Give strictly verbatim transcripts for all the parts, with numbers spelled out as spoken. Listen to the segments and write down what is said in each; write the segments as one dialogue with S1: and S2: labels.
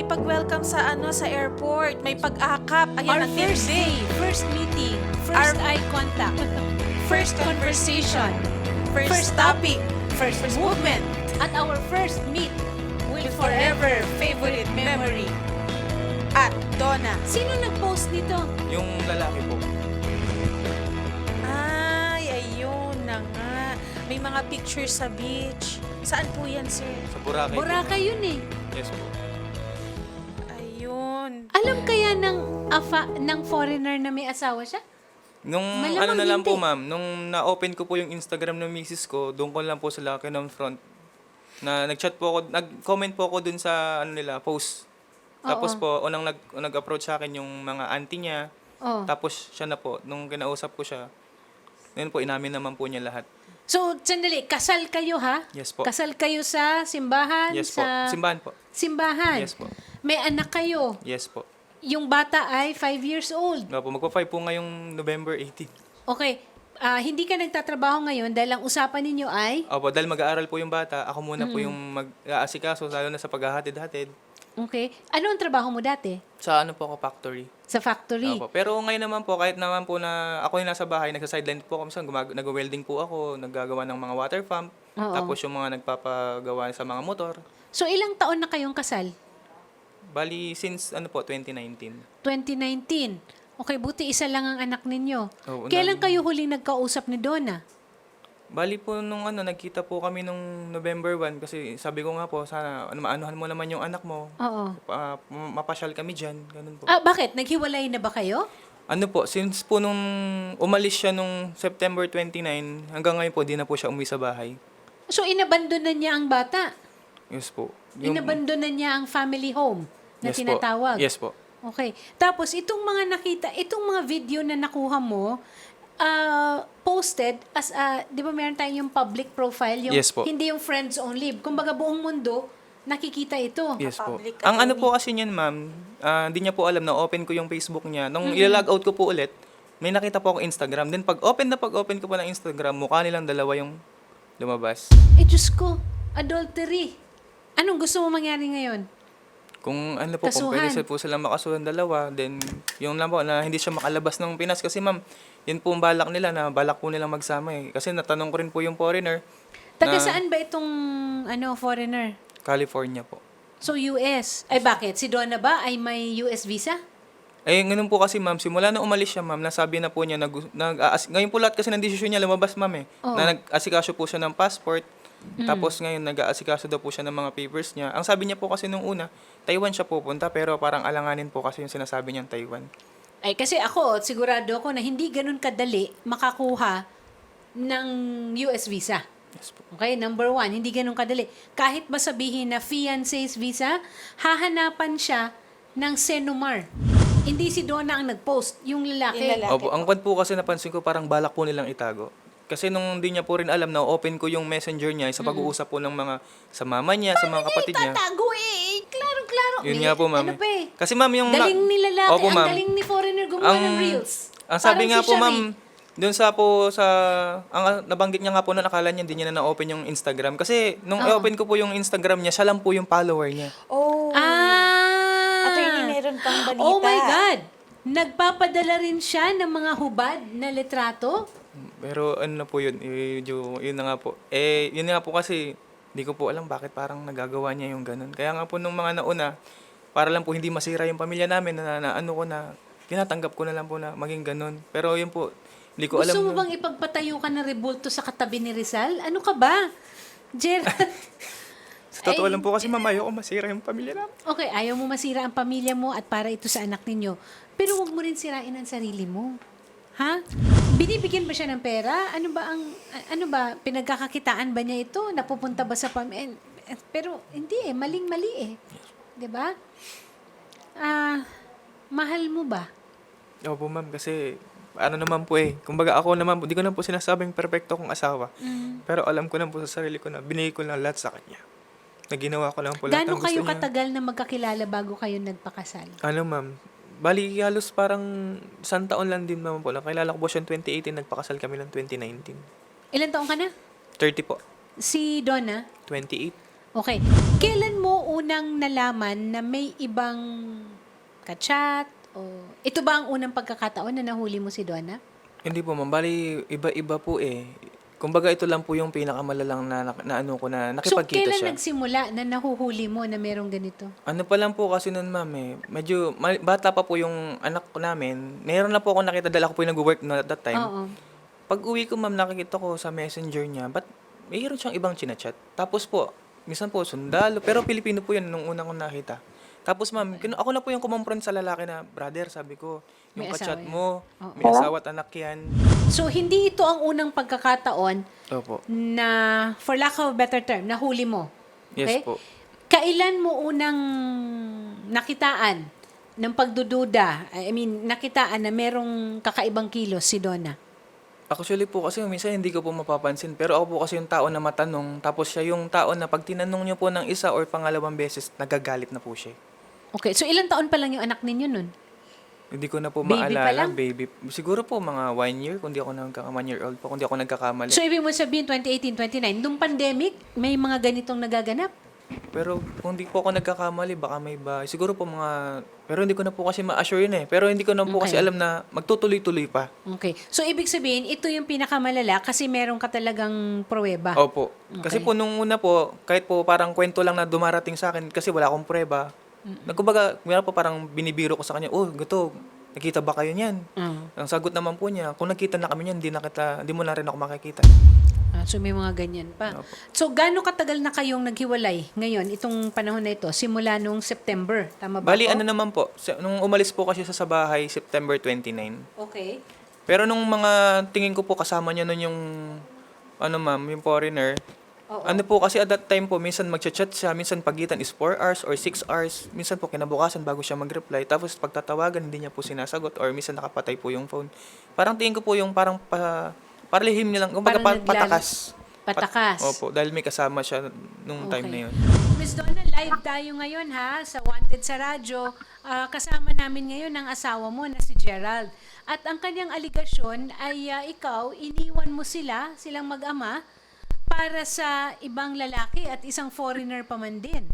S1: nakipag-welcome sa ano sa airport. May pag-akap. Ayan,
S2: Our
S1: ang
S2: first
S1: tindi.
S2: day, first meeting, first
S1: Our-
S2: eye contact,
S1: First conversation. First,
S2: First
S1: topic. First, movement.
S2: at our first meet will
S1: With forever favorite memory. At Donna.
S2: Sino nag-post nito?
S3: Yung lalaki po.
S1: Ay, ayun na nga. May mga pictures sa beach. Saan po yan, sir?
S3: Sa Boracay. po.
S2: Boracay yun eh.
S3: Yes po.
S1: Ayun.
S2: Alam kaya ng afa, ng foreigner na may asawa siya?
S3: Nung
S2: Malamang
S3: ano na lang po,
S2: hindi.
S3: ma'am, nung na-open ko po yung Instagram ng misis ko, doon ko lang po sila kinon front. Na nag-chat po ako, nag-comment po ako dun sa ano nila, post. Tapos
S2: Oo.
S3: po, unang nag, nag-approach sa akin yung mga auntie niya.
S2: Oh.
S3: Tapos siya na po, nung kinausap ko siya, ngayon po, inamin naman po niya lahat.
S2: So, sandali, kasal kayo ha?
S3: Yes po.
S2: Kasal kayo sa simbahan?
S3: Yes po.
S2: sa
S3: Simbahan po.
S2: Simbahan?
S3: Yes po.
S2: May anak kayo.
S3: Yes po.
S2: Yung bata ay five years old.
S3: Nga po, magpa-five po ngayong November eighteenth.
S2: Okay. Ah, hindi ka nagtatrabaho ngayon dahil ang usapan ninyo ay...
S3: Opo, dahil mag-aaral po yung bata, ako muna po yung mag-aasikaso, lalo na sa paghahatid-hatid.
S2: Okay. Ano ang trabaho mo dati?
S3: Sa ano po ako, factory.
S2: Sa factory?
S3: Opo. Pero ngayon naman po, kahit naman po na ako yung nasa bahay, nagsa-sideline po ako, minsan gumag- nag-welding po ako, naggagawa ng mga water pump,
S2: Oo.
S3: tapos yung mga nagpapagawa sa mga motor.
S2: So, ilang taon na kayong kasal?
S3: Bali, since ano po, twenty nineteen.
S2: twenty nineteen. Okay, buti isa lang ang anak ninyo.
S3: Oo,
S2: Kailan
S3: nag-
S2: kayo huling nagkausap ni Donna?
S3: Bali po nung ano, nagkita po kami nung November one kasi sabi ko nga po, sana ano, maanuhan mo naman yung anak mo.
S2: Oo.
S3: Pa, mapasyal kami dyan, ganun po.
S2: Ah, bakit? Naghiwalay na ba kayo?
S3: Ano po, since po nung umalis siya nung September twenty-nine, hanggang ngayon po, di na po siya umuwi sa bahay.
S2: So, inabandonan niya ang bata?
S3: Yes po.
S2: Inabandonan niya ang family home na
S3: Yes po.
S2: tinatawag?
S3: Yes po.
S2: Okay. Tapos, itong mga nakita, itong mga video na nakuha mo, ah, posted as a, di ba meron tayong yung public profile, yung,
S3: Yes po.
S2: hindi yung friends only. Kumbaga buong mundo, nakikita ito.
S3: Yes po.
S1: Public
S3: Ang ano
S1: attorney.
S3: po kasi niyan, ma'am, ah, hindi niya po alam na open ko yung Facebook niya. Nung ilalog out ko po ulit, may nakita po akong Instagram. Then pag open na pag open ko po ng Instagram, mukha nilang dalawa yung lumabas.
S2: Eh, Diyos ko, adultery. Anong gusto mo mangyari ngayon?
S3: Kung ano po, kung
S2: Kasuhan.
S3: pwede sila po silang makasuhan dalawa, then yung lang po na hindi siya makalabas ng Pinas. Kasi ma'am, yun po ang balak nila na balak po nilang magsama eh. Kasi natanong ko rin po yung foreigner,
S2: Taga
S3: Na-
S2: saan ba itong ano, foreigner?
S3: California po.
S2: So, U S. Ay, bakit? Si Donna ba ay may U S visa?
S3: Eh, ganun po kasi ma'am, simula na umalis siya ma'am, nasabi na po niya, nag, nag, aas- ngayon po lahat kasi ng desisyon niya lumabas ma'am eh.
S2: Oo.
S3: Na nag-asikaso po siya ng passport, tapos ngayon nag-aasikaso daw po siya ng mga papers niya. Ang sabi niya po kasi nung una, Taiwan siya pupunta, pero parang alanganin po kasi yung sinasabi niyang Taiwan.
S2: Ay, kasi ako, sigurado ako na hindi ganun kadali makakuha ng U S visa.
S3: Yes po.
S2: Okay, number one, hindi ganun kadali. Kahit ba sabihin na fiancé's visa, hahanapan siya ng Senomar. Hindi si Donna ang nag-post, yung lalaki.
S1: Yung lalaki.
S3: Opo, ang kwan po kasi napansin ko parang balak po nilang itago. Kasi nung hindi niya po rin alam na open ko yung messenger niya sa pag-uusap po ng mga sa mama niya, sa mga kapatid niya.
S2: Tatago eh. Klaro-klaro.
S3: Yun
S2: May-
S3: nga po, ma'am.
S2: Ano pa eh.
S3: Kasi ma'am yung...
S2: Galing ni lalaki,
S3: Opo,
S2: ang
S3: ma'am.
S2: galing ni foreigner gumawa
S3: Ang-
S2: ng reels.
S3: Ang sabi
S2: Parang
S3: nga
S2: si
S3: po,
S2: Shari.
S3: ma'am, doon sa po sa... Ang nabanggit niya nga po na nakala niya, hindi niya na na-open yung Instagram. Kasi nung
S2: Oo.
S3: i-open ko po yung Instagram niya, siya lang po yung follower niya.
S1: Oh.
S2: Ah!
S1: Attorney, meron pang balita.
S2: Oh my God! Nagpapadala rin siya ng mga hubad na litrato?
S3: Pero ano na po yun, eh, yun, yun na nga po. Eh, yun nga po kasi, hindi ko po alam bakit parang nagagawa niya yung ganun. Kaya nga po nung mga nauna, para lang po hindi masira yung pamilya namin, na, na ano ko na, tinatanggap ko na lang po na maging ganun. Pero yun po, hindi ko
S2: Gusto
S3: alam.
S2: mo
S3: na-
S2: bang ipagpatayo ka ng rebulto sa katabi ni Rizal? Ano ka ba? Gerald.
S3: Sa totoo
S2: Ay,
S3: lang po kasi ma'am, ayoko masira yung pamilya namin.
S2: Okay, ayaw mo masira ang pamilya mo at para ito sa anak ninyo. Pero huwag mo rin sirain ang sarili mo. Ha? Binibigyan ba siya ng pera? Ano ba ang a- ano ba pinagkakakitaan ba niya ito? Napupunta ba sa pamilya? Pero hindi eh, maling-mali eh. 'Di ba? Ah, mahal mo ba?
S3: Opo ma'am, kasi ano naman po eh. Kumbaga ako naman po, di ko na po sinasabing perfecto kong asawa.
S2: Mm.
S3: Pero alam ko na po sa sarili ko na binigay ko lang lahat sa kanya. Na ginawa ko lang po lahat
S2: Gaano
S3: ng gusto
S2: kayo
S3: niya.
S2: katagal na magkakilala bago kayo nagpakasal?
S3: Ano ma'am, bali halos parang isang taon lang din naman po. Nakilala ko po siya twenty eighteen, nagpakasal kami ng twenty nineteen.
S2: Ilan taong ka na?
S3: thirty po.
S2: Si Donna?
S3: twenty-eight.
S2: Okay. Kailan mo unang nalaman na may ibang kachat? O ito ba ang unang pagkakataon na nahuli mo si Donna?
S3: Hindi po ma'am, bali iba-iba po eh. Kumbaga ito lang po yung pinakamalalang na, na, na ano ko na
S2: So,
S3: nakipagkita
S2: kailan
S3: siya.
S2: nagsimula na nahuhuli mo na merong ganito?
S3: Ano pa lang po kasi nun ma'am eh, medyo ma- bata pa po yung anak ko namin. Meron na po ako nakita, dahil ako po yung nag-work na at that time.
S2: Oo.
S3: Pag uwi ko ma'am, nakikita ko sa messenger niya, ba't mayroon siyang ibang chinachat? Tapos po, minsan po sundalo, pero Pilipino po yun nung unang kong nakita. Tapos ma'am, kin- ako na po yung kumompront sa lalaki na, brother, sabi ko, yung
S2: May
S3: kachat
S2: asawa yan."
S3: mo,
S2: Oo.
S3: may asawa at anak yan.
S2: So, hindi ito ang unang pagkakataon
S3: Opo.
S2: na, for lack of a better term, nahuli mo.
S3: Yes po.
S2: Kailan mo unang nakitaan ng pagdududa? I mean, nakitaan na merong kakaibang kilos si Donna?
S3: Actually po kasi minsan hindi ko po mapapansin, pero ako po kasi yung tao na matanong, tapos siya yung tao na pag tinanong niyo po ng isa or pangalawang beses, nagagalit na po siya.
S2: Okay, so ilang taon pa lang yung anak ninyo nun?
S3: Hindi ko na po
S2: Baby pa
S3: maalala,
S2: lang?
S3: baby. Siguro po mga one year, kung di ako nagkaka one year old po, kung di ako nagkakamali.
S2: So, ibig mo sabihin, twenty eighteen, twenty nine, nung pandemic, may mga ganitong nagaganap?
S3: Pero kung di po ako nagkakamali, baka may ba, siguro po mga, pero hindi ko na po kasi ma-assure yun eh. Pero hindi ko na po kasi
S2: Okay.
S3: alam na magtutuloy-tuloy pa.
S2: Okay. So, ibig sabihin, ito yung pinakamalala kasi meron ka talagang pruweba.
S3: Opo. Kasi
S2: Okay.
S3: po nung una po, kahit po parang kwento lang na dumarating sa akin kasi wala akong prueba. Nagkumbaga, meron po parang binibiro ko sa kanya, oh, gato, nakita ba kayo niyan?
S2: Ah.
S3: Ang sagot naman po niya, kung nakita na kami niyan, hindi na kita, hindi mo na rin ako makikita.
S2: Ah, so, may mga ganyan pa.
S3: Opo.
S2: So, gaano katagal na kayong naghiwalay ngayon, itong panahon na ito, simula nung September? Tama ba
S3: Bali,
S2: ako?
S3: ano naman po, sa- nung umalis po kasi siya sa bahay, September twenty-nine.
S2: Okay.
S3: Pero nung mga tingin ko po kasama niya nun yung, ano ma'am, yung foreigner,
S2: Oo.
S3: ano po kasi at that time po, minsan magchat-chat siya, minsan pagitan is four hours or six hours, minsan po kinabukasan bago siya mag-reply, tapos pagtatawagan hindi niya po sinasagot or minsan nakapatay po yung phone. Parang tingin ko po yung parang pa, parlihim niya lang, kumbaga
S2: Parang
S3: pa,
S2: naglala-
S3: patakas.
S2: Patakas.
S3: Pat- Opo, dahil may kasama siya nung time na yun.
S2: Miss Donna, live tayo ngayon ha, sa Wanted sa Radyo. Ah, kasama namin ngayon ang asawa mo na si Gerald. At ang kanyang aligasyon ay ah, ikaw, iniwan mo sila, silang mag-ama, para sa ibang lalaki at isang foreigner pa man din.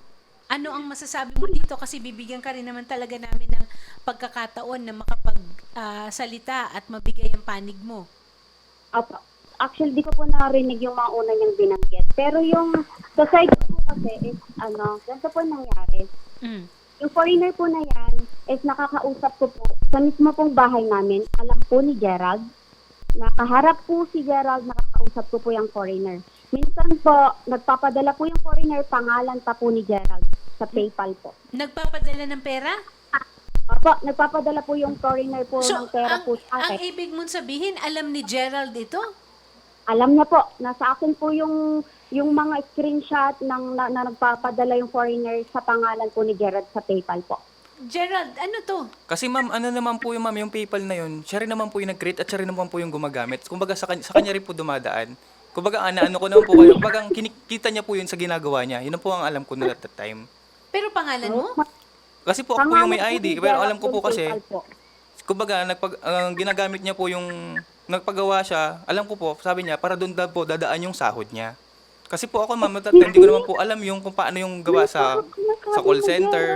S2: Ano ang masasabi mo dito? Kasi bibigyan ka rin naman talaga namin ng pagkakataon na makapagsalita at mabigay ang panig mo.
S4: Opo. Actually, di ko po narinig yung mga una niyang binanggit. Pero yung sa side ko po kasi is, ano, ganito po nangyari.
S2: Mm.
S4: Yung foreigner po na yan is nakakausap ko po sa mismo pong bahay namin. Alam po ni Gerald. Nakaharap po si Gerald, nakakausap ko po yung foreigner. Minsan po, nagpapadala po yung foreigner, pangalan pa po ni Gerald sa PayPal po.
S2: Nagpapadala ng pera?
S4: Opo, nagpapadala po yung foreigner po ng pera
S2: ang,
S4: po sa
S2: ang
S4: akin.
S2: ibig mong sabihin, alam ni Gerald ito?
S4: Alam niya po, nasa akin po yung yung mga screenshot ng na, na nagpapadala yung foreigner sa pangalan po ni Gerard sa PayPal po.
S2: Gerald, ano to?
S3: Kasi ma'am, ano naman po yung ma'am, yung PayPal na yun, siya rin naman po yung nag-create at siya rin naman po yung gumagamit. Kumbaga sa, kanya, sa kanya rin po dumadaan. Kumbaga, ana, ano ko naman po kayo, kumbaga ang kinikita niya po yun sa ginagawa niya. Yun ang po ang alam ko noon at that time.
S2: Pero pangalan mo?
S3: Kasi po ako po yung may
S4: Pangalan
S3: I D,
S4: ni
S3: pero
S4: Gerald
S3: alam ko po
S4: yung
S3: kasi,
S4: PayPal po.
S3: kumbaga, nagpag, ang ginagamit niya po yung, nagpagawa siya, alam ko po, sabi niya, para doon daw po dadaan yung sahod niya. Kasi po ako, ma'am, at that time, hindi ko naman po alam yung kung paano yung gawa sa, sa call center.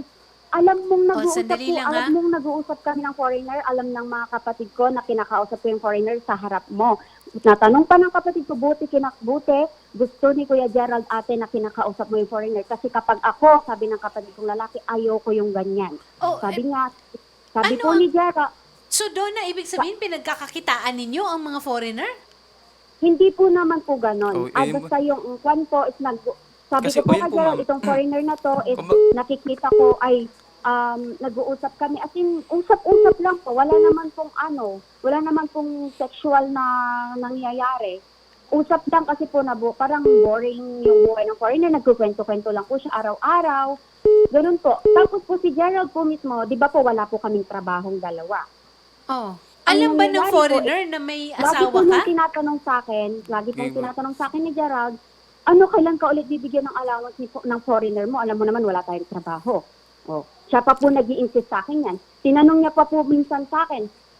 S4: Alam mong
S2: Oh,
S4: nag-uusap
S2: sandali
S4: po,
S2: lang,
S4: alam
S2: ha?
S4: mong nag-uusap kami ng foreigner, alam ng mga kapatid ko na kinakausap ko yung foreigner sa harap mo. Natanong pa ng kapatid ko, buti, kinakbuti, gusto ni Kuya Gerald ate na kinakausap mo yung foreigner. Kasi kapag ako, sabi ng kapatid kong lalaki, ayoko yung ganyan.
S2: Oh,
S4: Sabi niya, sabi
S2: ano
S4: po
S2: ang-
S4: ni Gerald,
S2: So doon na ibig sabihin, pinagkakakitaan ninyo ang mga foreigner?
S4: hindi po naman po ganon.
S3: Oh,
S4: Ah,
S3: eh,
S4: basta yung kwan po is nag... Sabi
S3: Kasi
S4: ko
S3: po
S4: po
S3: yun
S4: kay
S3: po,
S4: Gerald,
S3: ma'am.
S4: itong foreigner na to is
S3: Kumba-
S4: nakikita ko ay um, nag-uusap kami. As in, usap-usap lang po. Wala naman pong ano, wala naman pong sexual na nangyayari. Usap lang kasi po na bu- parang boring yung buhay ng foreigner. Nagkukwento-kwento lang po siya araw-araw. Ganun po. Tapos po si Gerald po mismo, di ba po wala po kaming trabahong dalawa.
S2: Oh.
S4: Ang
S2: Alam ba ng
S4: nangyayari po,
S2: foreigner na may
S4: Lagi
S2: asawa
S4: po
S2: ka?
S4: nung tinatanong sa akin, lagi pong
S3: Game.
S4: tinatanong sa akin ni Gerald, ano kailan ka ulit bibigyan ng allowance ni, fo- ng foreigner mo? Alam mo naman wala tayong trabaho. Oh. Siya pa po nag-i-insist sa akin yan. Tinanong niya pa po minsan sa akin,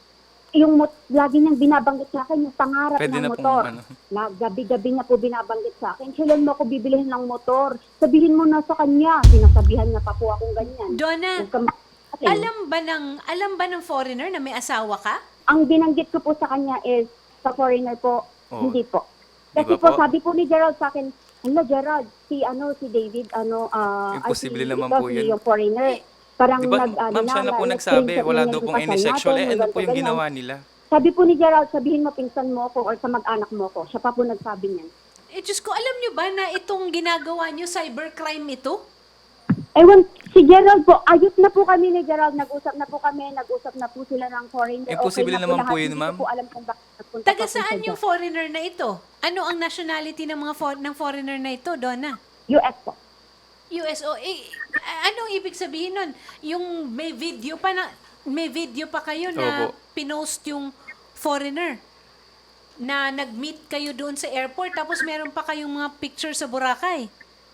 S4: yung mot, lagi niyang binabanggit sa akin yung pangarap
S3: Pwede
S4: ng
S3: na pong,
S4: motor.
S3: ano.
S4: Na gabi-gabi niya po binabanggit sa akin, kailan mo ako bibilihin ng motor? Sabihin mo na sa kanya. Sinasabihan niya pa po akong ganyan.
S2: Donna,
S4: Huwag ka ma-
S2: alam ba ng alam ba ng foreigner na may asawa ka?
S4: Ang binanggit ko po sa kanya is, sa foreigner po,
S3: Oo.
S4: hindi po.
S3: Di
S4: Kasi
S3: ba
S4: po,
S3: po?
S4: sabi po ni Gerald sa akin, hala Gerald, si ano, si David, ano, ah, ay,
S3: Imposible
S4: si-
S3: naman
S4: ito,
S3: po
S4: si
S3: yun.
S4: yung foreigner. Parang
S3: Di ba,
S4: nag, ano
S3: ma'am, siya na po
S4: nag-
S3: nagsabi,
S4: screenshot
S3: wala
S4: niya
S3: daw
S4: yung
S3: pong
S4: kasal
S3: any sexual.
S4: natin,
S3: Eh, ano
S4: ganito,
S3: po yung
S4: ganyan.
S3: ginawa nila?
S4: Sabi po ni Gerald, sabihin mo pinsan mo ko or sa mag-anak mo ko. Siya pa po nagsabi niyan.
S2: Eh, Diyos ko, alam nyo ba na itong ginagawa nyo, cybercrime ito?
S4: Ewan, si Gerald po, ayos na po kami ni Gerald, nag-usap na po kami, nag-usap na po sila ng foreigner.
S3: Imposible
S4: na
S3: naman
S4: lahat.
S3: po yun,
S4: Hindi
S3: ma'am.
S4: ko po alam kung bakit nagpunta
S2: Taga
S4: pa po siya
S2: saan yung
S4: dyan.
S2: foreigner na ito? Ano ang nationality ng mga for- ng foreigner na ito, Donna?
S4: U S po.
S2: U S O. Eh, a- anong ibig sabihin nun? Yung may video pa na may video pa kayo na
S3: Opo.
S2: pinost yung foreigner na nag-meet kayo doon sa airport tapos meron pa kayong mga picture sa Boracay.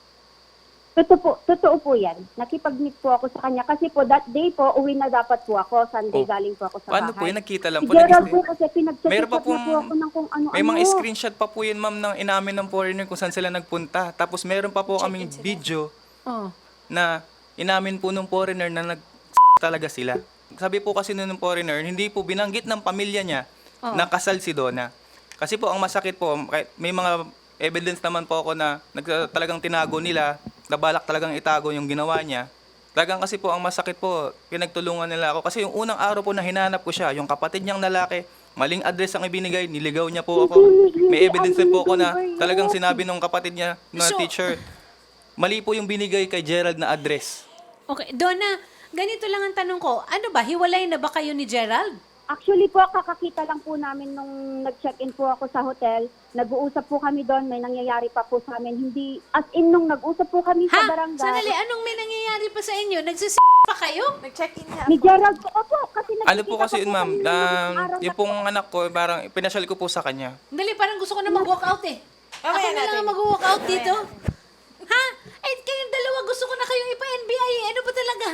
S4: Totoo po, totoo po yan. Nakipag-meet po ako sa kanya. Kasi po, that day po, uwi na dapat po ako. Sunday
S3: Oh.
S4: galing po ako sa
S3: Paano
S4: bahay.
S3: po yun? Nakita lang
S4: Si
S3: po.
S4: Gerald
S3: nag-
S4: po kasi pinag-chat
S3: Meron pa
S4: na
S3: pong-
S4: po ako ng kung ano-ano.
S3: May mga screenshot pa po yun, ma'am, ng inamin ng foreigner kung saan sila nagpunta. Tapos meron pa po kaming video
S2: Oh.
S3: na inamin po ng foreigner na nag talaga sila. Sabi po kasi nun ng foreigner, hindi po binanggit ng pamilya niya
S2: Oh.
S3: na kasal si Donna. Kasi po ang masakit po, kahit may mga evidence naman po ako na nag, talagang tinago nila, nabalak talagang itago yung ginawa niya. Talagang kasi po ang masakit po, pinagtulungan nila ako. Kasi yung unang araw po na hinanap ko siya, yung kapatid niyang lalaki, maling address ang ibinigay, niligaw niya po ako. May evidence din po ako na talagang sinabi ng kapatid niya na
S2: So-
S3: teacher, mali po yung binigay kay Gerald na address.
S2: Okay, Donna, ganito lang ang tanong ko. Ano ba, hiwalay na ba kayo ni Gerald?
S4: Actually po, kakakita lang po namin nung nag-check-in po ako sa hotel. Nag-uusap po kami doon, may nangyayari pa po sa amin. Hindi, as in nung nag-usap po kami sa
S2: Ha?
S4: barangay.
S2: Sanali, anong may nangyayari pa sa inyo? Nagsis pa kayo?
S1: Nag-check-in nga
S4: Ni
S1: ako.
S4: Gerald po, opo, kasi
S3: Ano
S4: nagkikita
S3: po kasi
S4: pa
S3: yun, ma'am,
S4: kami
S3: na,
S4: nung araw
S3: yung
S4: na
S3: pong anak ko, parang pinasyal ko po sa kanya.
S2: Dali, parang gusto ko na mag-walk out eh. Ako
S1: Mamaya
S2: na lang
S1: natin.
S2: ang mag-walk out dito. Ha? Eh, kayong dalawa gusto ko na kayong ipa-N B I eh. Ano ba talaga?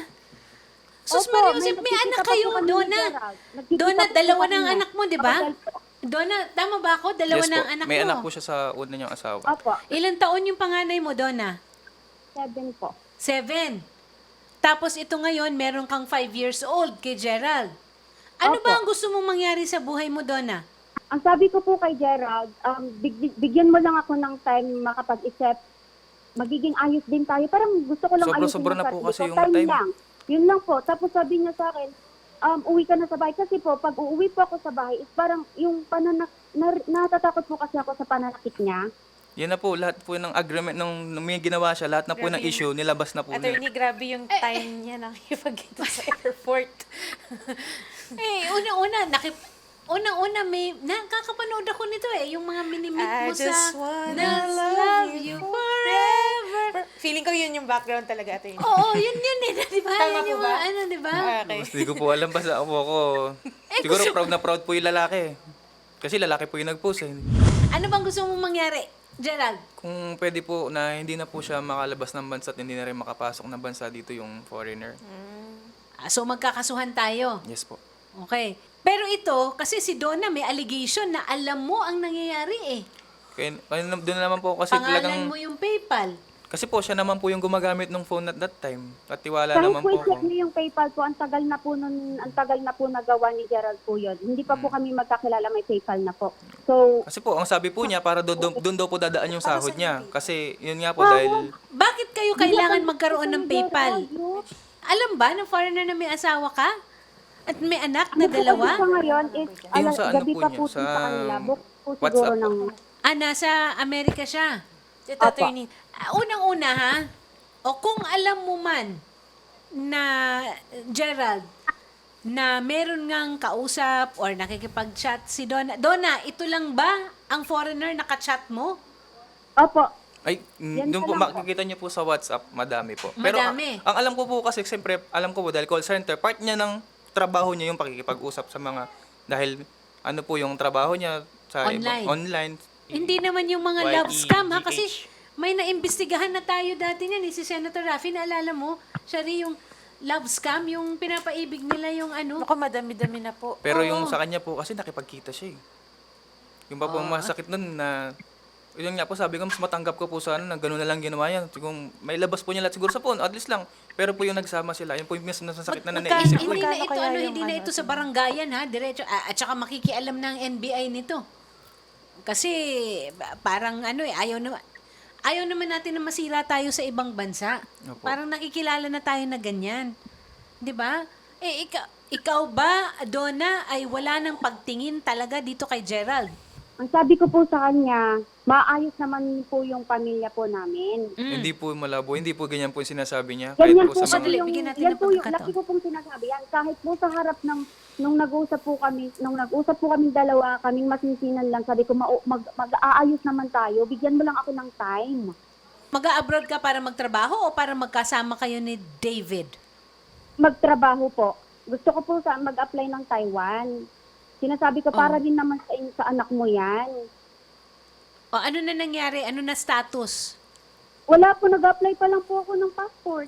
S2: Sus
S4: Opo,
S2: Maria
S4: may
S2: Joseph, may
S4: nagkikita
S2: anak
S4: pa po
S2: kayo,
S4: kami ni
S2: Donna.
S4: Gerald. Nagkikita
S2: Donna,
S4: po po
S2: dalawa
S4: kami
S2: na ang
S4: niya.
S2: anak mo, di ba?
S4: Hotel po.
S2: Donna, tama ba ako? Dalawa
S3: Yes
S2: na
S3: po,
S2: ang anak
S3: may
S2: mo.
S3: anak po siya sa una niyang asawa.
S4: Opo,
S2: Ilan taon yung panganay mo, Donna?
S4: seven po.
S2: Seven. Tapos ito ngayon, meron kang five years old kay Gerald. Ano
S4: Opo.
S2: ba ang gusto mong mangyari sa buhay mo, Donna?
S4: Ang sabi ko po kay Gerald, um, big- bigyan mo lang ako ng time makapag-isip. Magiging ayos din tayo. Parang gusto ko lang ayusin
S3: Sobra-sobra
S4: yung
S3: na po
S4: sarili
S3: kasi
S4: ko.
S3: yung time.
S4: lang. Yun lang po. Tapos sabi niya sa akin, um, uwi ka na sa bahay. Kasi po, pag uuwi po ako sa bahay, is parang yung pananak, na, natatakot po kasi ako sa pananakit niya.
S3: Yan na po, lahat po ng agreement nung, nung may ginawa siya, lahat na po
S1: Grabe
S3: ng
S1: yun.
S3: issue, nilabas na po niya.
S1: Attorney, grabe yung time niya nakikipagkita sa airport.
S2: Eh, una-una, nakip... Unang-una, may... Nakakapanood ako nito eh. Yung mga minimit
S1: I
S2: mo sa...
S1: just wanna
S2: Let's
S1: love
S2: you
S1: you
S2: forever.
S1: Per- Feeling ko yun yung background talaga, attorney.
S2: Oo, yun yun eh. Di ba?
S1: Tama
S2: Yun yung
S1: po ba?
S2: mga ano, di ba?
S1: Okay.
S3: Mas di ko po alam, basta ako ako. Siguro proud na proud po yung lalaki. Kasi lalaki po yung nag-post eh.
S2: Ano bang gusto mong mangyari, Gerald?
S3: Kung pwede po na hindi na po siya makalabas ng bansa at hindi na rin makapasok ng bansa dito yung foreigner.
S2: Ah, so magkakasuhan tayo.
S3: Yes po.
S2: Okay. Pero ito, kasi si Donna may allegation na alam mo ang nangyayari eh.
S3: Kaya, kaya na- doon na naman po kasi
S2: Pangalan
S3: talagang...
S2: mo yung PayPal.
S3: Kasi po siya naman po yung gumagamit ng phone at that time. At tiwala
S4: Kahit
S3: naman
S4: po
S3: po
S4: i-check
S3: ako.
S4: niyo yung PayPal po, ang tagal na po nun, ang tagal na po nagawa ni Gerald po yun. Hindi pa po
S3: Hmm.
S4: kami magkakilala, may PayPal na po. So,
S3: Kasi po, ang sabi po niya, para doon doon daw po dadaan yung sahod niya. Kasi yun nga po, dahil...
S2: Bakit kayo kailangan magkaroon ng PayPal? Alam ba ng foreigner na may asawa ka? At may anak na dalawa?
S4: Sa ngayon is,
S3: Yung
S4: ala,
S3: sa ano
S4: gabi
S3: po
S4: pa
S3: niya,
S4: po
S3: sa
S4: sa kanila. Book po siguro
S3: WhatsApp po.
S4: ng...
S2: Ah, nasa Amerika siya.
S1: Ito,
S4: Opo.
S1: attorney.
S2: Ah, Unang-una ha, o kung alam mo man na Gerald, na meron ngang kausap or nakikipag-chat si Donna. Donna, ito lang ba ang foreigner nakachat mo?
S4: Opo.
S3: Ay, mm,
S4: Yan
S3: doon
S4: pa
S3: po,
S4: lang po.
S3: makikita niyo po sa WhatsApp, madami po. Pero ang,
S2: Madami.
S3: ang alam ko po kasi, siyempre, alam ko po, dahil call center, part niya ng trabaho niya yung pakikipag-usap sa mga, dahil ano po yung trabaho niya sa
S2: Online.
S3: ibang- online.
S2: Hindi naman yung mga
S3: Y E
S2: love scam ha,
S3: G H.
S2: kasi may naimbestigahan na tayo dati niyan, eh, si Senator Raffy, naalala mo, siya rin yung love scam, yung pinapaibig nila yung ano.
S1: Naku, madami-dami na po.
S3: Pero
S2: Oo.
S3: yung sa kanya po kasi nakipagkita siya eh. Yung pa po ang masakit nun na, yun nga po sabi ko, mas matanggap ko po sa ano, na gano'n na lang ginawa yan. Kung may labas po niya lahat siguro sa phone, at least lang. Pero po yung nagsama sila, yun po yung mas nasasakit na
S2: Magka-
S3: nanaisip ko
S2: hindi
S3: eh.
S2: na
S1: Magkano
S2: ito,
S1: kaya
S2: ano,
S1: yung
S2: hindi na
S1: ano,
S2: ito sa barangayan ha, diretso. Ah, at saka makikialam ng N B I nito. Kasi ba- parang ano eh, ayaw naman, ayaw naman natin na masira tayo sa ibang bansa.
S3: Opo.
S2: Parang nakikilala na tayo na ganyan. 'Di ba? Eh, ikaw, ikaw ba, Donna, ay wala nang pagtingin talaga dito kay Gerald?
S4: Ang sabi ko po sa kanya, maayos naman po yung pamilya po namin.
S3: Hindi po malabo, hindi po ganyan po yung sinasabi niya.
S4: Ganyan
S3: Kahit
S4: po
S3: po sa
S2: Sandali,
S3: mga...
S4: yung,
S2: bigyan natin
S4: yan
S2: ng
S4: po yung,
S2: pagkakataon.
S4: laki ko pong sinasabi yan. Kahit po sa harap ng, nung nag-usap po kami, nung nag-usap po kaming dalawa, kaming masinsinan lang, sabi ko, "Ma- mag, mag-aayos naman tayo, bigyan mo lang ako ng time."
S2: Mag-abroad ka para magtrabaho o para magkasama kayo ni David?
S4: Magtrabaho po. Gusto ko po sa mag-apply ng Taiwan. Sinasabi ko, para din naman sa, in- sa anak mo yan.
S2: O ano na nangyari? Ano na status?
S4: Wala po, nag-apply pa lang po ako ng passport.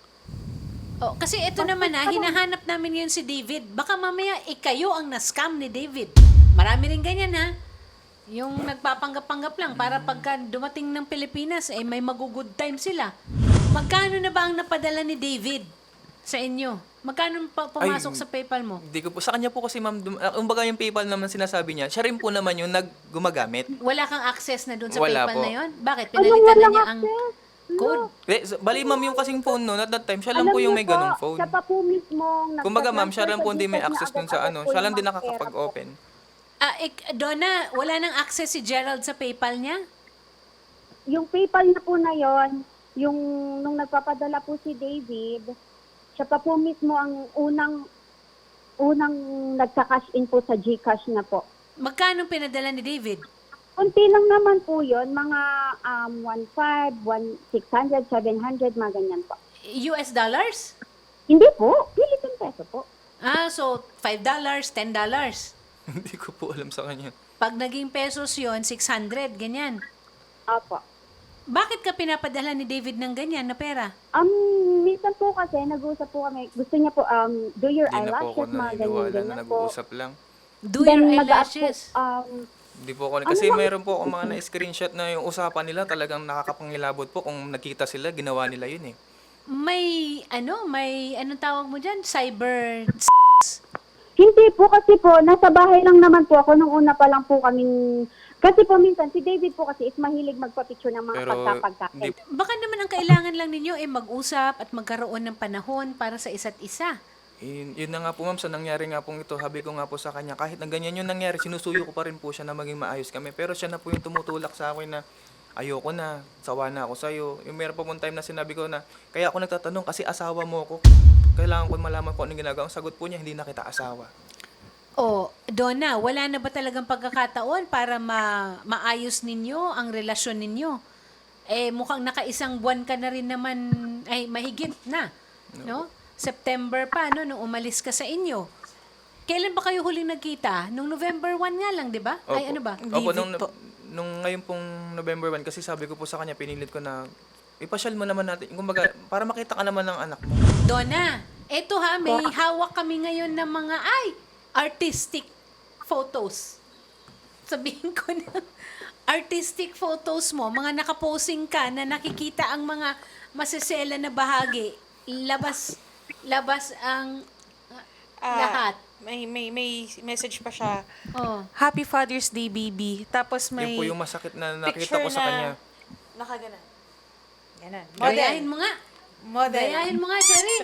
S2: Oh, kasi ito naman ha, hinahanap namin yun si David. Baka mamaya ikayo ang na-scam ni David. Marami rin ganyan ha. Yung nagpapanggap-panggap lang para pagka dumating ng Pilipinas, eh may mag-good time sila. Magkano na ba ang napadala ni David sa inyo? Magkano pa pumasok
S3: Ay,
S2: sa PayPal mo?
S3: Hindi ko po, sa kanya po kasi ma'am, dum- uh, umbaga yung PayPal naman sinasabi niya, siya rin po naman yung naggumagamit.
S2: Wala kang access na dun sa
S3: Wala
S2: PayPal
S3: po.
S2: na yon? Bakit?
S4: Anong
S2: Pinalitan na
S4: walang
S2: niya ang
S4: access?
S2: code?
S3: Eh, so- bali ma'am yung kasing phone noon at that time, siya lang
S4: Alam
S3: po yung
S4: niyo
S3: may ganong
S4: po,
S3: phone.
S4: Siya pa po mismo.
S3: Kumbaga ma'am, siya lang po
S4: hindi
S3: hindi may access dun sa ano, siya lang din nakakapag-open.
S2: Ah, ik, Donna, wala nang access si Gerald sa PayPal niya?
S4: Yung PayPal na po na yon, yung nung nagpapadala po si David, siya pa po mismo ang unang unang nagka-cash in po sa GCash na po.
S2: Magkano pinadala ni David?
S4: Kunti lang naman po yon, mga um, one five, one six hundred, seven hundred, mga ganyan po.
S2: U S dollars?
S4: Hindi po, Philippine peso po.
S2: Ah, so five dollars, ten dollars.
S3: Hindi ko po alam sa kanya.
S2: Pag naging pesos yon, six hundred, ganyan.
S4: Opo.
S2: Bakit ka pinapadala ni David ng ganyan na pera?
S4: Um, minsan po kasi, nag-uusap po kami, gusto niya po, um, do your
S3: Hindi na po ako
S4: eyelashes, mga
S3: naniniwala na
S4: ganyan-ganyan po.
S3: nag-uusap lang.
S2: Do
S4: Then,
S2: your
S4: mag-up po,
S2: eyelashes.
S4: um,
S3: Hindi po ako, kasi mayroon po ako mga na-screenshot na yung usapan nila talagang nakakapangilabot po kung nagkita sila, ginawa nila yun eh.
S2: May, ano, may, anong tawag mo dyan? Cyber...
S4: Hindi po kasi po, nasa bahay lang naman po ako nung una pa lang po kaming, kasi po minsan si David po kasi is mahilig magpa-picture ng mga
S3: Pero
S4: pagkapagkain.
S3: hindi,
S2: Baka naman ang kailangan lang ninyo ay mag-usap at magkaroon ng panahon para sa isa't isa.
S3: yun, yun na nga po ma'am, sa nangyari nga pong ito, habi ko nga po sa kanya, kahit na ganyan yung nangyari, sinusuyo ko pa rin po siya na maging maayos kami. Pero siya na po yung tumutulak sa akin na, ayoko na, sawa na ako sa'yo. Yung meron pa pong time na sinabi ko na, kaya ako nagtatanong kasi asawa mo ako. Kailangan ko malaman kung anong ginagawa. Ang sagot po niya, hindi na kita asawa.
S2: O, Donna, wala na ba talagang pagkakataon para ma maayos ninyo ang relasyon ninyo? Eh, mukhang nakaisang buwan ka na rin naman, ay mahigit na, no? September pa, no, nung umalis ka sa inyo. Kailan ba kayo huling nagkita? Nung November first nga lang, di ba? Ay,
S3: Opo.
S2: ano ba?
S3: Opo,
S1: David
S3: nung,
S1: po.
S3: nung ngayon pong November first, kasi sabi ko po sa kanya, pinilit ko na, ipasyal mo naman natin, kumbaga, para makita ka naman ng anak mo.
S2: Donna, eto ha, may hawak kami ngayon ng mga, ay, artistic photos. Sabihin ko na, artistic photos mo, mga nakaposing ka na nakikita ang mga masesela na bahagi. Labas, labas ang
S1: Ah,
S2: lahat.
S1: May, may, may message pa siya.
S2: Oh.
S1: Happy Father's Day, baby. Tapos may
S3: Yun po yung masakit na nakita
S1: picture
S3: ko sa kanya.
S1: na nakaganan. Ganan.
S2: Gayahin mo nga.
S1: Model.
S2: Gayahin mo nga, Sherry.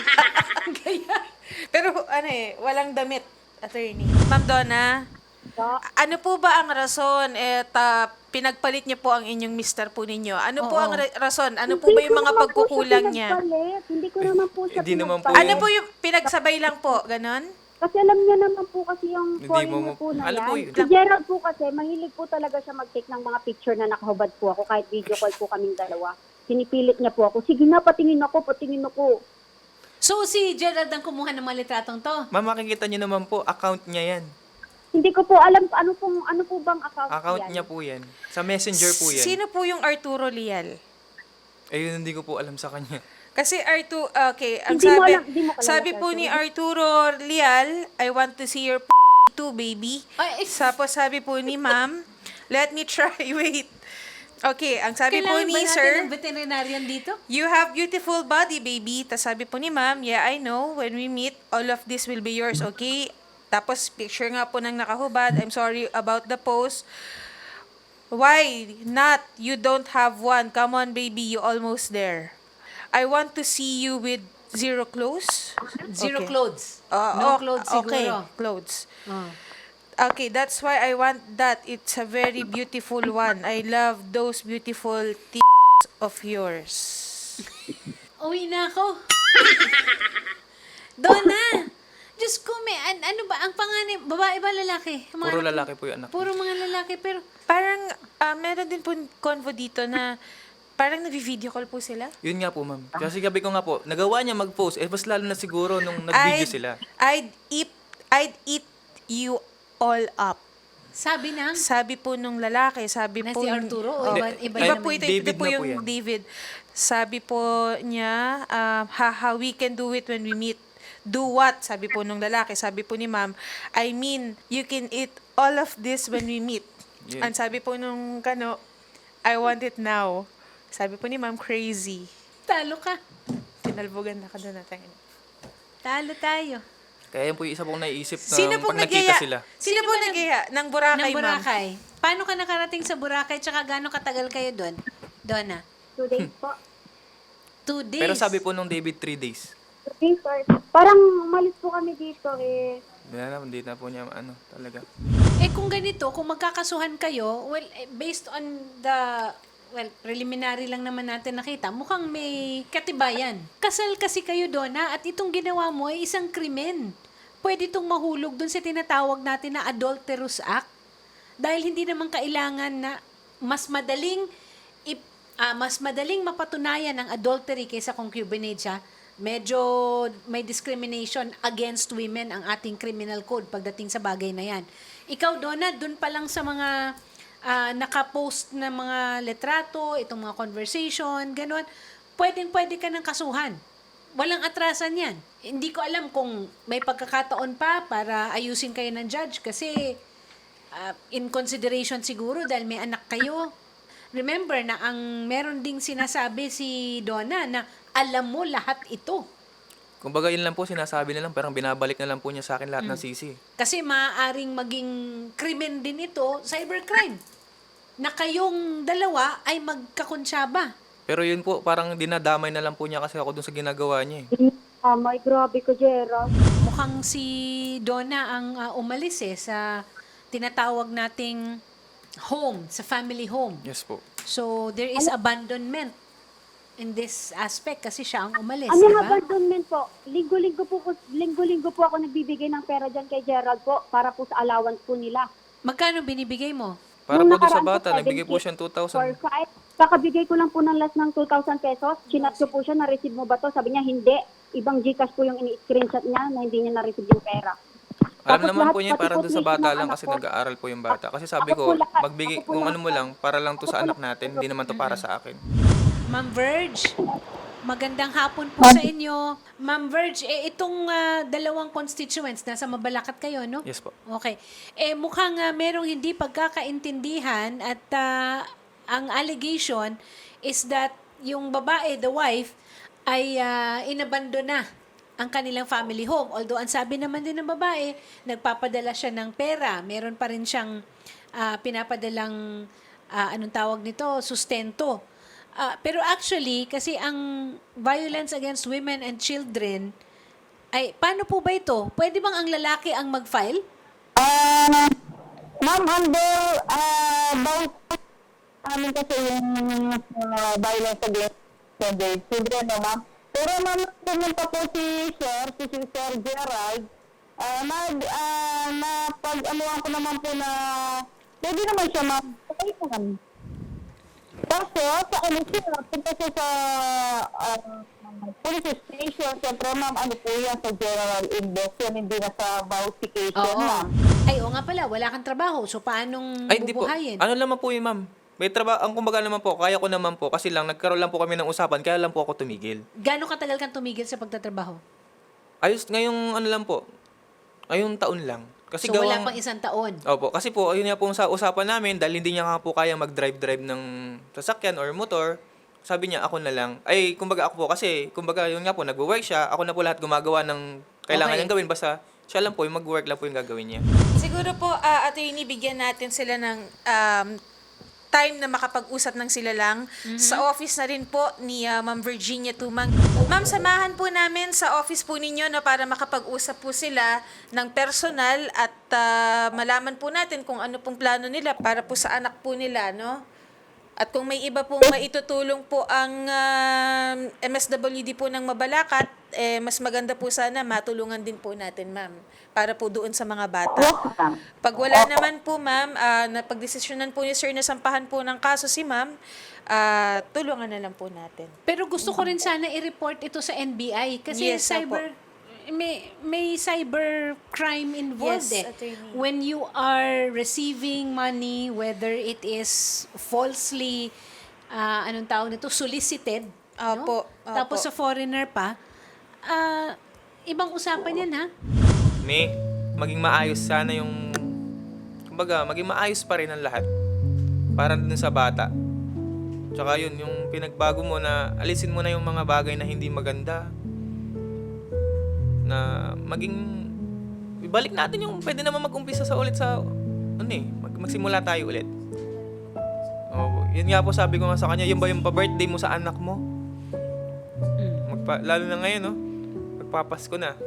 S2: Gaya.
S1: Pero ano eh, walang damit, attorney. Ma'am Donna,
S4: So,
S1: ano po ba ang rason at ah, pinagpalit niyo po ang inyong mister po ninyo? Ano po
S2: Oo.
S1: ang ra- rason? Ano po
S4: hindi
S1: ba yung
S4: ko
S1: mga
S4: naman po
S1: pagkukulang
S4: siya
S1: niya?
S4: pinagpalit. Hindi ko naman po siya
S3: Hindi naman po.
S4: pinagpalit.
S1: Ano po yung pinagsabay lang po? Ganon?
S4: Kasi alam niya naman po kasi yung
S3: Hindi
S4: foreigner
S3: mo-
S4: po na
S3: alam
S4: yan.
S3: po yun.
S4: Si Gerald po kasi, mahilig po talaga siya mag-take ng mga picture na nakahubad po ako kahit video call po kaming dalawa. Pinipilit niya po ako, sige na, patingin ako, patingin ako.
S2: So, si Gerald ang kumuha ng mga litratong to.
S3: Ma'am, makikita niyo naman po, account niya yan.
S4: Hindi ko po alam ano pong ano po bang account,
S3: Account
S4: yan.
S3: niya po yan. Sa messenger po yan.
S1: Sino po yung Arturo Lial?
S3: Ayun, hindi ko po alam sa kanya.
S1: Kasi Arturo, okay, ang
S4: Hindi mo
S1: sabi,
S4: alam- hindi mo kilala
S1: sabi
S4: si
S1: po
S4: Arturo?
S1: ni Arturo Lial, I want to see your p- too, baby.
S2: Ay, eh.
S1: Tapos sabi po ni ma'am, let me try, wait. Okay, ang sabi po
S2: Kailangan ba
S1: ni
S2: natin
S1: sir,
S2: ng veterinarian dito?
S1: you have beautiful body, baby. Tapos sabi po ni ma'am, yeah, I know. When we meet, all of this will be yours, okay? Tapos picture nga po ng nakahubad. I'm sorry about the post. Why not? You don't have one. Come on, baby. You almost there. I want to see you with zero clothes.
S2: Zero
S1: Okay.
S2: clothes.
S1: Uh,
S2: no
S1: oh,
S2: clothes
S1: okay,
S2: siguro.
S1: clothes.
S2: Oh.
S1: Okay, that's why I want that. It's a very beautiful one. I love those beautiful t***s of yours.
S2: Uwi na ako. Donna! Diyos ko, may, an- ano ba, ang panganay, babae ba lalaki? Ang mga
S3: Puro
S2: anak mo?
S3: lalaki po yung anak.
S2: Puro mga lalaki, pero
S1: Parang, ah, meron din po convo dito na parang nag-video call po sila.
S3: Yun nga po, ma'am. Kasi gabi ko nga po, nagawa niya mag-post. Eh, mas lalo na siguro nung nag-video
S1: I'd-
S3: sila.
S1: I'd eat, I'd eat you all up.
S2: sabi ng,
S1: Sabi po nung lalaki, sabi
S2: Na
S1: po...
S2: si Arturo o
S1: Oh.
S2: iba- iba
S1: iba
S2: naman?
S1: po ito,
S3: David
S1: ito po
S3: na po
S1: yung
S3: yan.
S1: David. Sabi po niya, um, haha, we can do it when we meet. Do what? Sabi po nung lalaki. Sabi po ni ma'am, I mean, you can eat all of this when we meet.
S3: Yeah.
S1: And sabi po nung kano, I want it now. Sabi po ni ma'am, crazy.
S2: talo ka.
S1: Tinalbogan na ka doon natin.
S2: Talo tayo.
S3: Kaya yun po yung isa pong naiisip na
S1: Sino
S3: pag
S1: pong
S3: nakita
S1: nagaya?
S3: sila.
S1: Sino,
S2: Sino
S1: po
S2: ba nag-
S1: nagaya? Ng Boracay,
S2: ng
S1: ma'am.
S2: Boracay. Paano ka nakarating sa Boracay tsaka gaano katagal kayo doon? Donna?
S4: Two days po.
S2: Two days.
S3: Pero sabi po nung David, three days.
S4: Two days, sir. Parang umalis po kami dito eh.
S3: Hindi na, hindi na po niya, ano, talaga.
S2: Eh kung ganito, kung magkakasuhan kayo, well, eh, based on the, well, preliminary lang naman natin nakita, mukhang may katibayan. Kasal kasi kayo, Donna, at itong ginawa mo ay isang krimen. Pwede itong mahulog dun sa tinatawag natin na adulterous act. Dahil hindi naman kailangan na mas madaling ip, ah, mas madaling mapatunayan ang adultery kaysa concubinage, ha? Medyo may discrimination against women ang ating criminal code pagdating sa bagay na yan. Ikaw, Donna, dun pa lang sa mga ah, nakapost na mga letrato, itong mga conversation, ganun, pwedeng-pwede ka ng kasuhan. Walang atrasan yan. Hindi ko alam kung may pagkakataon pa para ayusin kayo ng judge kasi ah, in consideration siguro dahil may anak kayo. Remember na ang meron ding sinasabi si Donna na alam mo lahat ito.
S3: Kumbaga yun lang po, sinasabi na lang, parang binabalik na lang po niya sa akin lahat ng
S1: Mm.
S3: sisi.
S2: Kasi maaaring maging krimen din ito, cybercrime. Na kayong dalawa ay magkakonsyaba.
S3: Pero yun po, parang dinadamay na lang po niya kasi ako dun sa ginagawa niya eh.
S4: Ah, my grabe ko, Gerald.
S2: Mukhang si Donna ang ah, umalis eh sa tinatawag nating home, sa family home.
S3: Yes po.
S2: So, there is abandonment in this aspect kasi siya ang umalis,
S4: Ano
S2: di
S4: nga
S2: ba?
S4: abandonment po? Linggo-linggo po, ko- linggo-linggo po ako nagbibigay ng pera dyan kay Gerald po para po sa allowance po nila.
S2: Magkano binibigay mo?
S3: Para
S4: Nung
S3: po doon sa
S4: nakaraan po,
S3: bata, nagbigay po
S4: seventy
S3: siya ng two
S4: For
S3: thousand.
S4: five. Kakabigay ko lang po ng last ng two thousand pesos. Chinat ko po siya, na-receive mo ba to? Sabi niya, hindi. Ibang Gcash po yung ini-screenshot niya na hindi niya na-receive yung pera.
S3: Alam
S4: Tapos
S3: naman
S4: lahat,
S3: po niya
S4: pati
S3: para
S4: po
S3: doon sa
S4: tuition
S3: bata
S4: ng
S3: lang
S4: anak
S3: kasi
S4: ko.
S3: nag-aaral po yung bata. Kasi sabi
S4: Ako po
S3: ko,
S4: lahat.
S3: magbigay,
S4: Ako po
S3: kung
S4: lahat.
S3: ano mo lang, para lang to
S4: Ako
S3: sa
S4: po
S3: anak
S4: lahat.
S3: natin, hindi naman to para sa akin.
S2: Ma'am Verge, magandang hapon po sa inyo. Ma'am Verge, eh, itong ah, dalawang constituents, nasa Mabalacat kayo, no?
S3: Yes po.
S2: Okay. Eh, mukhang ah, merong hindi pagkakaintindihan at ah, ang allegation is that yung babae, the wife, ay uh, inabandon na ang kanilang family home. Although, ang sabi naman din ng babae, nagpapadala siya ng pera. Meron pa rin siyang ah, pinapadalang, ah, anong tawag nito, sustento. Ah, pero actually, kasi ang violence against women and children, ay, paano po ba ito? Pwede bang ang lalaki ang mag-file?
S5: Ah, ma'am, under uh, about amin kasi yung uh, violence against the children, no, ma'am. Pero ma'am, pumunta po si Sir, si Sir Gerald, uh, nag, uh, na pag-anuhan ko naman po na pwede naman siya ma'am. Okay naman. Kaso, sa ano siya, punta siya sa uh, police station, siyempre ma'am, ano po yan sa general investigation, hindi na sa vouchication,
S2: Oo.
S5: ma'am.
S2: Ay, o nga pala, wala kang trabaho. So, paanong
S3: Ay, hindi po.
S2: bubuhayin?
S3: Ano naman po yun, ma'am? May trabaho, ang kumbaga naman po, kaya ko naman po, kasi lang, nagkaroon lang po kami ng usapan, kaya lang po ako tumigil.
S2: Gano'ng katagal kang tumigil sa pagtatrabaho?
S3: Ayos, ngayong ano lang po, ngayong taon lang. Kasi
S2: So, wala
S3: gawang,
S2: pang isang taon.
S3: Opo, kasi po, ayun nga po sa usapan namin, dahil hindi niya nga po kaya mag-drive-drive ng sasakyan or motor, sabi niya, ako na lang. Ay, kumbaga ako po, kasi, kumbaga, yun nga po, nag-work siya, ako na po lahat gumagawa ng kailangan
S2: Okay.
S3: niyang gawin, basta siya lang po, yung mag-work lang po yung gagawin niya.
S1: Siguro po, uh, attorney, bigyan natin sila ng um, time na makapag-usap ng sila lang. Sa office na rin po ni uh, Ma'am Virginia Tumang. Ma'am, samahan po namin sa office po ninyo no, para makapag-usap po sila ng personal at uh, malaman po natin kung ano pong plano nila para po sa anak po nila, no? At kung may iba pong maitutulong po ang um, M S W D po ng Mabalacat, eh, mas maganda po sana matulungan din po natin, ma'am, para po doon sa mga bata.
S5: Yes, ma'am.
S1: Pag wala naman po, ma'am, uh, napagdesisyonan po ni sir na sampahan po ng kaso si ma'am, ah, tulungan na lang po natin.
S2: Pero gusto ko rin sana i-report ito sa N B I kasi
S1: Yes,
S2: cyber may may cyber crime involved
S1: Yes,
S2: eh.
S1: attorney.
S2: When you are receiving money, whether it is falsely ah, anong tawag nito, solicited,
S1: Opo,
S2: no? Tapos
S1: opo.
S2: sa foreigner pa, ah, ibang usapan yan ha.
S3: May, maging maayos sana yung, kumbaga, maging maayos pa rin ang lahat. Para dun sa bata. Tsaka yun, yung pinagbago mo na, alisin mo na yung mga bagay na hindi maganda. Na maging, ibalik natin yung, pwede naman mag-umpisa sa ulit sa, ano eh, mag, magsimula tayo ulit. Oh, yun nga po sabi ko nga sa kanya, yun ba yung pa-birthday mo sa anak mo? Magpa, lalo na ngayon, no? Magpapasko na.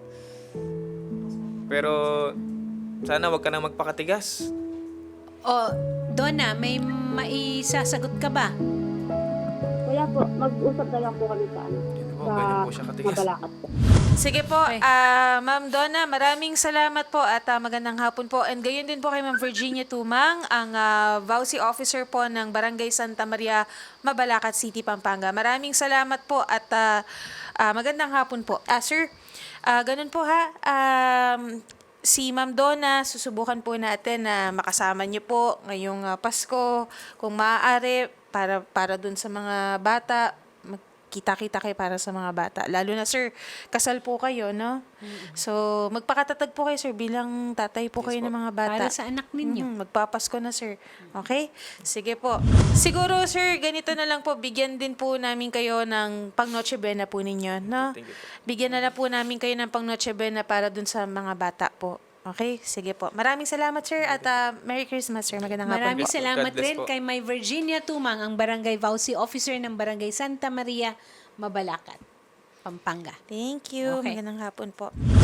S3: Pero, sana wag ka na magpakatigas.
S2: O, Donna, may maisasagot ka ba?
S4: Kaya po, mag-usap na lang po kami sa ano.
S3: Yun po,
S4: Sa
S3: ganyan po siya katigas.
S4: Mabalacat po.
S1: Sige po,
S2: Okay.
S1: ah, Ma'am Donna, maraming salamat po at ah, magandang hapon po. And gayon din po kay Ma'am Virginia Tumang, ang uh, V A U C officer po ng Barangay Santa Maria, Mabalacat City, Pampanga. Maraming salamat po at ah, ah, magandang hapon po. Ah, sir, ah, ganun po ha. Um, si Ma'am Donna, susubukan po natin na makasama niyo po ngayong ah, Pasko, kung maaari, para, para dun sa mga bata, kita-kita kayo para sa mga bata. Lalo na, sir, kasal po kayo, no? So, magpakatatag po kayo, sir, bilang tatay po kayo ng mga bata.
S2: Para sa anak ninyo.
S1: Mhm, magpapasko na, sir. Okay? Sige po. Siguro, sir, ganito na lang po, bigyan din po namin kayo ng pang Noche Buena po ninyo, no?
S3: Thank you po.
S1: Bigyan na lang po namin kayo ng pang Noche Buena para dun sa mga bata po. Okay? Sige po. Maraming salamat, sir, at ah, Merry Christmas, sir. Magandang hapon
S2: Maraming
S1: po.
S2: salamat
S3: God bless
S2: rin
S3: po.
S2: kay May Virginia Tumang, ang Barangay V A U C officer ng Barangay Santa Maria, Mabalacat, Pampanga.
S1: Thank you.
S2: Okay.
S1: Magandang hapon po.